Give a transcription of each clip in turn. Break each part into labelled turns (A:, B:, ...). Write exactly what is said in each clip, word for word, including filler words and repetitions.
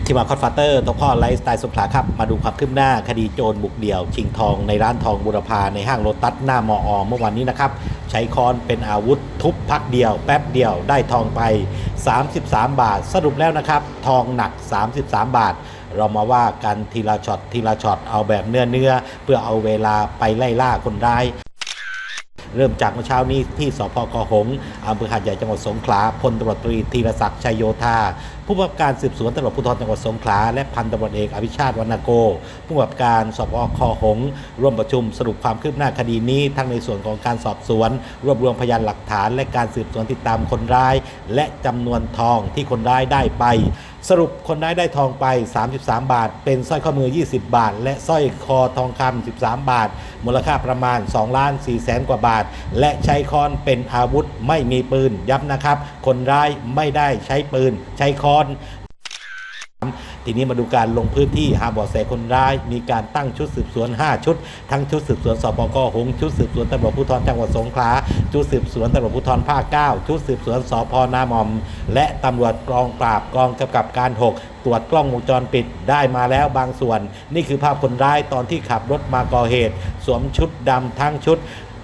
A: ที่มาคอดฟาเตอร์ตัวพ่อไลฟ์สไตล์สงขลาครับมาดูความคืบหน้าคดีโจรบุกเดี่ยวชิงทองในร้านทองบุรพาในห้างโลตัสหน้ามอเมื่อวันนี้นะครับใช้ค้อนเป็นอาวุธทุบพักเดียวแป๊บเดียวได้ทองไปสามสิบสามบาทสรุปแล้วนะครับทองหนักสามสิบสามบาทเรามาว่ากันทีละช็อตทีละช็อตเอาแบบเนื้อเนื้อเพื่อเอาเวลาไปไล่ล่าคนร้ายเริ่มจากเมื่อเช้านี้ที่สพคหงส์อำเภอหาดใหญ่จังหวัดสงขลาพลตำรวจตรีธีรศักดิ์ชัยโยธาผู้กำกับการสืบสวนตำรวจภูธรจังหวัดสงขลาและพันตำรวจเอกอภิชาติวรรณโกผู้กำกับการสพคหงส์ร่วมประชุมสรุปความคืบหน้าคดีนี้ทั้งในส่วนของการสอบสวนรวบรวมพยานหลักฐานและการสืบสวนติดตามคนร้ายและจำนวนทองที่คนร้ายได้ไปสรุปคนร้ายได้ทองไปสามสิบสามบาทเป็นสร้อยข้อมือยี่สิบบาทและสร้อยคอทองคำสิบสามบาทมูลค่าประมาณสองล้านสี่แสนกว่าบาทและใช้ค้อนเป็นอาวุธไม่มีปืนย้ำนะครับคนร้ายไม่ได้ใช้ปืนใช้ค้อนทีนี้มาดูการลงพื้นที่หาเบาะแสคนร้ายมีการตั้งชุดสืบสวนห้าชุดทั้งชุดสืบสวนสพคหงส์ชุดสืบสวนตำรวจภูธรจังหวัดสงขลาชุดสืบสวนตำรวจภูธรภาคเก้าชุดสืบสวนสพนาหม่อมและตำรวจกองปราบกองกำกับการหกตรวจกล้องวงจรปิดได้มาแล้วบางส่วนนี่คือภาพคนร้ายตอนที่ขับรถมาก่อเหตุสวมชุดดำทั้งชุด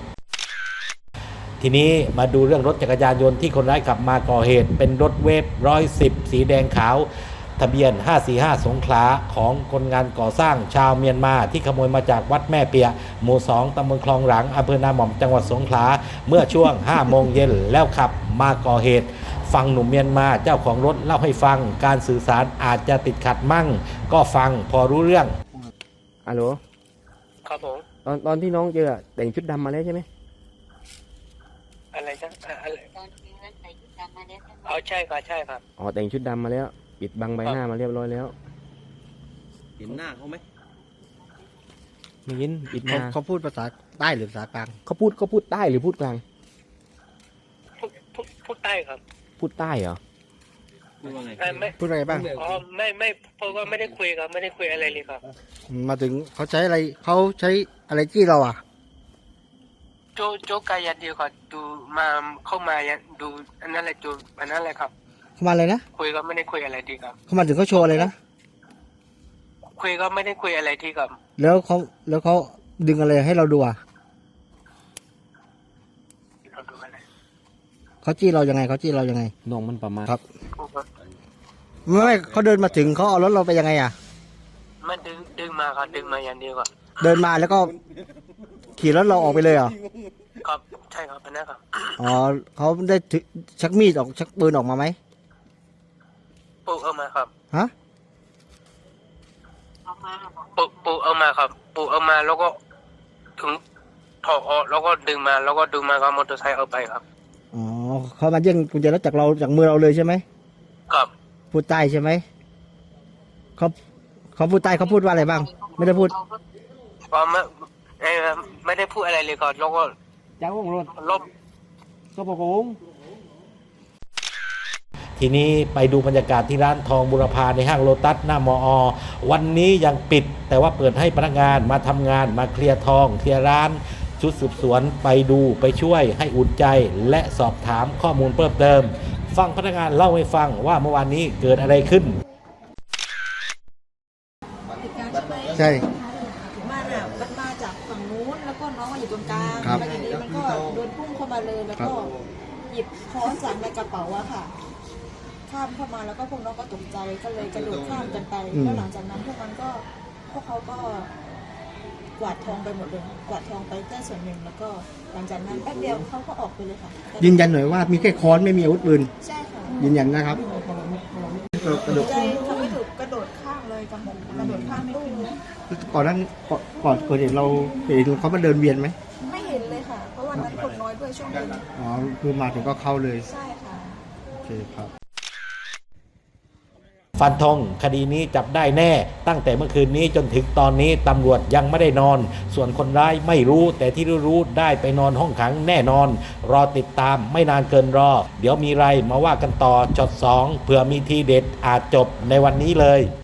A: ทีนี้มาดูเรื่องรถจักรยานยนต์ที่คนร้ายขับมาก่อเหตุเป็นรถเวฟร้อยสิบสีแดงขาวทะเบียนห้าสี่ห้าสงขลาของคนงานก่อสร้างชาวเมียนมาที่ขโมยมาจากวัดแม่เปียหมู่สองตำบลคลองหลังอำเภอนาหม่อมจังหวัดสงขลาเมื่อช่วงห้าโมงเย็นแล้วขับมาก่อเหตุฟังหนุ่มเมียนมาเจ้าของรถเล่าให้ฟังการสื่อสารอาจจะติดขัดมั่งก็ฟังพอรู้เรื่อง
B: ฮัลโหล
C: ครับผม
B: ตอนตอนที่น้องเจอแต่งชุดดำมาแล้วใช่ไหม
C: อะไรจ๊ะอะไร
D: ตอนนี้นั้นใส่ชุดดำมาแล้วใช่ไหม
C: อ๋อใช่ครับใช่ครับ
B: อ๋อแต่งชุดดำมาแล้วปิดบังใบหน้ามาเรียบร้อยแล้ว
E: เห็นหน้าเขาไหม
B: ไม่ยินปิด
E: เขา
B: มา
E: เขาพูดภาษาใต้หรือภาษากลาง
B: เขาพูดเขาพูดใต้หรือพูดกลาง
C: พูดพูดพูดใต้ครับ
B: พูดใต้เหรอ
E: พูดว่าไง
C: ไม่ไม่
E: พูดอะไรบ้าง
C: อ๋อไม่ไม่เพราะว่าไม่ได้คุยครับไม่ได้คุยอะไรเลยครับ
E: มาถึงเขาใช้อะไรเขาใช้อะไรจี้เราอ่ะ
C: โจโจกายันเดียวครับดูมาเข้ามายันดูอันนั้นแหละโจอันนั้นแหละครับ
E: เขามาเลยนะ
C: คุยก็ไม่ได้คุยอะไรทีครับ
E: เขามาถึงเขาโชว์อะไรนะ
C: คุยก็ไม่ได้คุยอะไรทีครับ
E: แล้วเขาแล้วเขาดึงอะไรให้เราดูอ่ะ
C: เราดูอะไร
E: เขาจี้เรายังไงเขาจี้เรายังไง
B: น้องมันประมาณ
E: ครับไม่ไม่เขาเดินมาถึงเขาเอารถเราไปยังไงอ่ะ
C: มันดึงดึงมาครับดึงมาอย่างเดียวครับ
E: เดินมาแล้วก็ขี่รถเราออกไปเลยเหรอ
C: ครับใช่ครับอันนั้นครับ
E: อ๋อเขาได้ชักมีดออกชักปืนออกมาไหม
C: ปูเอามาครับ
E: ฮะ
D: เอามา
C: ปูปูเอามาครับปูเอามาแล้วก็ถึงถอดออกแล้วก็ดึงมาแล้วก็ดึงมาครับมอเตอร์ไซค์เอาไปครับ
E: อ๋อเขามาแย่งกุญแจรถจากเราจากมือเราเลยใช่ไหม
C: ครับ
E: พูดใต้ใช่ไหมเขาเขาพูดใต้เขาพูดว่าอะไรบ้างไม่ได้พูด
C: อ๋อไม่ไม่ได้พูดอะไรเลยครับแล้วก็
B: จ้าวงรถ
C: ลบ
B: ก็บอกง
A: ทีนี้ไปดูบรรยากาศที่ร้านทองบุรพาในห้างโลตัสหน้ามอวันนี้ยังปิดแต่ว่าเปิดให้พนักงานมาทำงานมาเคลียร์ทองเคลียร์ร้านชุดสืบสวนไปดูไปช่วยให้อุ่นใจและสอบถามข้อมูลเพิ่มเติมฟังพนักงานเล่าให้ฟังว่าเมื่อวานนี้เกิดอะไรขึ้น
E: ใช่
D: มันอ่ะมันมาจากฝั่งนู้นแล้วก็น้องมาอยู่ตรงกลางแล้วทีนี้มันก็โดนพุ่งเข้ามาเลยแล้วก็หยิบค้อนจากในกระเป๋าอะค่ะข้ามเข้ามาแล้วก็พวกน้องก็ตกใจก็เลยกระโดดข้ามกันไปแล้วหลังจากนั้นพวกมันก็พวกเขาก็กวาดทองไปหมดเลยกวาดทองไปแค่ส่วนหนึ่งแล้วก็หลังจากนั้นแป๊บเดียวเขาก็ออกไปเลยค่ะ
E: ยืนยันหน่อยว่ามีแค่ค้อนไม่มีอาวุธปืน
D: ใช่ค่ะ
E: ยืนยันนะครับ
D: กระโดดใจทำไม่ถูกกระโดดข้ามเลยจังกระโดดข้ามไม่ขึ้น
E: ก่อนนั้นก่อนเกิดเหตุเราเห็นเขามาเดินเวียนไหม
D: ไม่เห็นเลยค่ะเพราะวันนั้นคนน้อยด้วยช่วงเย็น
E: อ๋อคือมาถึงก็เข้าเลย
D: ใช่ค่ะ
E: โอเคครับ
A: ฟันธงคดีนี้จับได้แน่ตั้งแต่เมื่อคืนนี้จนถึงตอนนี้ตำรวจยังไม่ได้นอนส่วนคนร้ายไม่รู้แต่ที่รู้ๆได้ไปนอนห้องขังแน่นอนรอติดตามไม่นานเกินรอเดี๋ยวมีไรมาว่ากันต่อช็อตสองเผื่อมีทีเด็ดอาจจบในวันนี้เลย